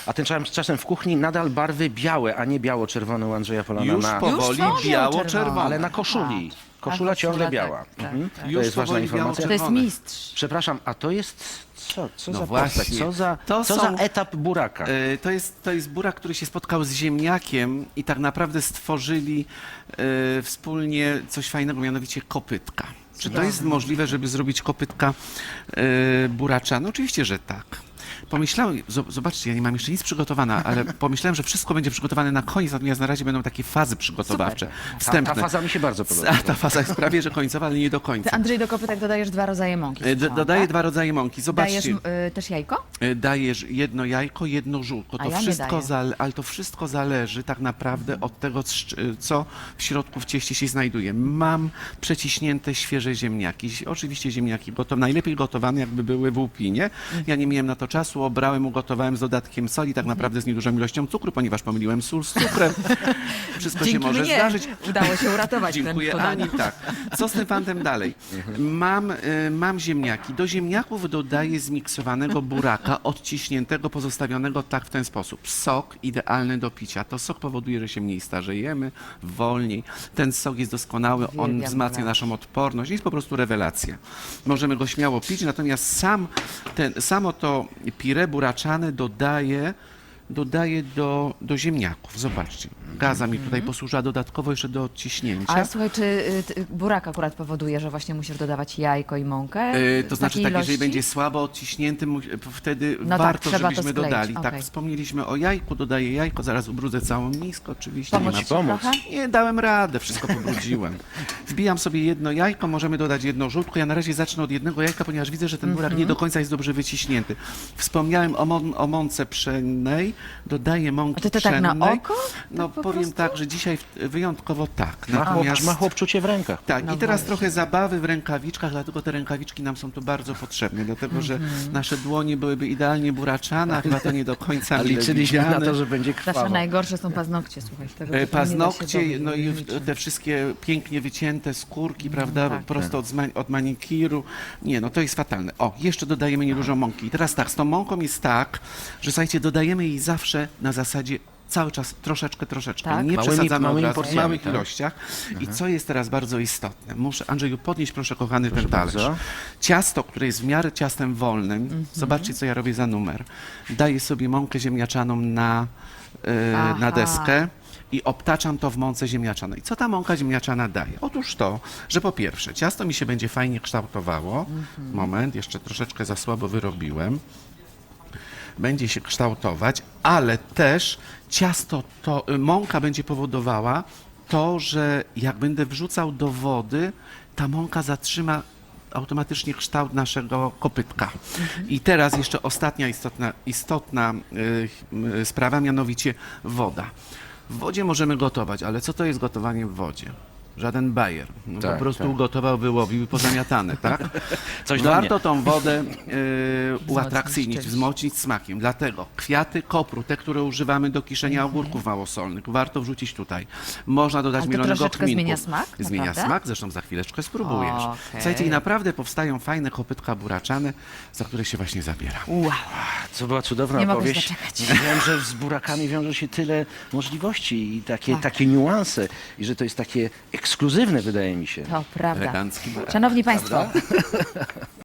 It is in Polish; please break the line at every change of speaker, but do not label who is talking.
A tymczasem w kuchni nadal barwy białe, a nie biało-czerwone u Andrzeja Polana.
Już powoli
są
biało-czerwone.
Ale na koszuli. Koszula
koszula,
ciągle
tak,
biała.
tak,
Mhm.
tak.
To
Już
jest ważna
powoli
informacja.
To jest
biało-czerwone.
mistrz.
Przepraszam, a to jest co
No
za
właśnie.
postać? Co
To
za
są-
etap buraka?
To jest burak, który się spotkał z ziemniakiem i tak naprawdę stworzyli wspólnie coś fajnego, mianowicie kopytka. Czy to jest możliwe, żeby zrobić kopytka buraczane? Oczywiście, że tak. Pomyślałem, zobaczcie, ja nie mam jeszcze nic przygotowane, ale pomyślałem, że wszystko będzie przygotowane na koniec, natomiast na razie będą takie fazy przygotowawcze, wstępne.
Ta faza mi się bardzo podoba.
Ta faza jest prawie, że końcowa, ale nie do końca.
Ty, Andrzej, do kopytek dodajesz 2 rodzaje mąki.
Dodaję
tak?
2 rodzaje mąki. Zobaczcie.
Dajesz też jajko?
Dajesz jedno jajko, jedno żółtko.
A
To
ja nie
wszystko
daję.
ale to wszystko zależy tak naprawdę od tego, co w środku w cieście się znajduje. Mam przeciśnięte świeże ziemniaki. Oczywiście ziemniaki najlepiej gotowane, jakby były w łupinie. Ja nie miałem na to czasu, obrałem, ugotowałem z dodatkiem soli, tak naprawdę z niedużą ilością cukru, ponieważ pomyliłem sól z cukrem. Wszystko się
Dzięki
może
mnie
zdarzyć.
udało się uratować
Dziękuję
ten
Ani,
podanie.
tak. Co z tym fantem dalej? Mam ziemniaki. Do ziemniaków dodaję zmiksowanego buraka, odciśniętego, pozostawionego tak w ten sposób. Sok idealny do picia. To sok powoduje, że się mniej starzejemy, wolniej. Ten sok jest doskonały, on
Uwielbiam
wzmacnia
buraki.
naszą odporność. Jest po prostu rewelacja. Możemy go śmiało pić, natomiast samo to pire buraczane dodaję do ziemniaków. Zobaczcie. Gaza mi tutaj posłużyła dodatkowo jeszcze do odciśnięcia.
Ale słuchaj, czy burak akurat powoduje, że właśnie musisz dodawać jajko i mąkę?
To
w
znaczy
takiej
tak, jeżeli
ilości?
będzie słabo odciśnięty, wtedy
No tak,
warto,
trzeba to
żebyśmy
skleić,
dodali. Tak,
okej.
wspomnieliśmy o jajku, dodaję jajko, zaraz ubrudzę całą miskę, oczywiście.
Pomóc
Nie,
ci
pomóc.
trochę?
nie dałem rady, wszystko pobrudziłem. Wbijam sobie jedno jajko, możemy dodać jedno żółtko. Ja na razie zacznę od jednego jajka, ponieważ widzę, że ten burak nie do końca jest dobrze wyciśnięty. Wspomniałem o mące pszennej, dodaję mąki
A ty to tak na
pszennej.
oko?
No
po
powiem
prostu?
tak, że dzisiaj wyjątkowo tak.
Ma chłopczucie w rękach.
Tak,
No
i teraz
właśnie.
trochę zabawy w rękawiczkach, dlatego te rękawiczki nam są tu bardzo potrzebne, dlatego że nasze dłonie byłyby idealnie buraczane, a chyba to nie do końca
A
mile
liczyliśmy na
widziane.
to, że będzie
Nasze
krwawo.
najgorsze są paznokcie, słuchaj. z tego tytułu nie da się
Paznokcie,
zrobić
no i
niczym.
te wszystkie pięknie wycięte skórki, prawda,
tak.
prosto od manikiru. Nie, no to jest fatalne. O, jeszcze dodajemy niedużo mąki. I teraz tak, z tą mąką jest tak, że słuchajcie, dodajemy jej zawsze na zasadzie cały czas troszeczkę,
Tak?
nie przesadzamy
małymi
od razu, w
porcjami,
małych
tak.
ilościach. I co jest teraz bardzo istotne? Muszę, Andrzeju, podnieść proszę kochany ten talerz.
bardzo.
Ciasto, które jest w miarę ciastem wolnym, zobaczcie co ja robię za numer. Daję sobie mąkę ziemniaczaną na
Aha.
deskę i obtaczam to w mące ziemniaczanej. Co ta mąka ziemniaczana daje? Otóż to, że po pierwsze ciasto mi się będzie fajnie kształtowało. Moment, jeszcze troszeczkę za słabo wyrobiłem. Będzie się kształtować, ale też mąka będzie powodowała to, że jak będę wrzucał do wody, ta mąka zatrzyma automatycznie kształt naszego kopytka. I teraz jeszcze ostatnia istotna sprawa, mianowicie woda. W wodzie możemy gotować, ale co to jest gotowanie w wodzie? Żaden bajer. No,
Tak,
po prostu
tak.
ugotował, wyłowił i pozamiatane, tak?
Coś dla
Warto
mnie.
tą wodę uatrakcyjnić,
czymś.
wzmocnić smakiem. Dlatego kwiaty kopru, te, które używamy do kiszenia ogórków małosolnych, warto wrzucić tutaj. Można dodać
Ale to
mielonego
troszeczkę
kminku.
zmienia smak,
Zmienia
naprawdę?
smak, zresztą za chwileczkę spróbujesz.
Okej.
Słuchajcie, i naprawdę powstają fajne kopytka buraczane, za które się właśnie zabieram.
Wow.
Co była cudowna
Nie mogę się
opowieść.
doczekać.
Wiem, że z burakami wiąże się tyle możliwości i
Tak.
takie niuanse i że to jest takie ekskluzywne, wydaje mi się.
To prawda.
Elegancki burak.
Szanowni Państwo,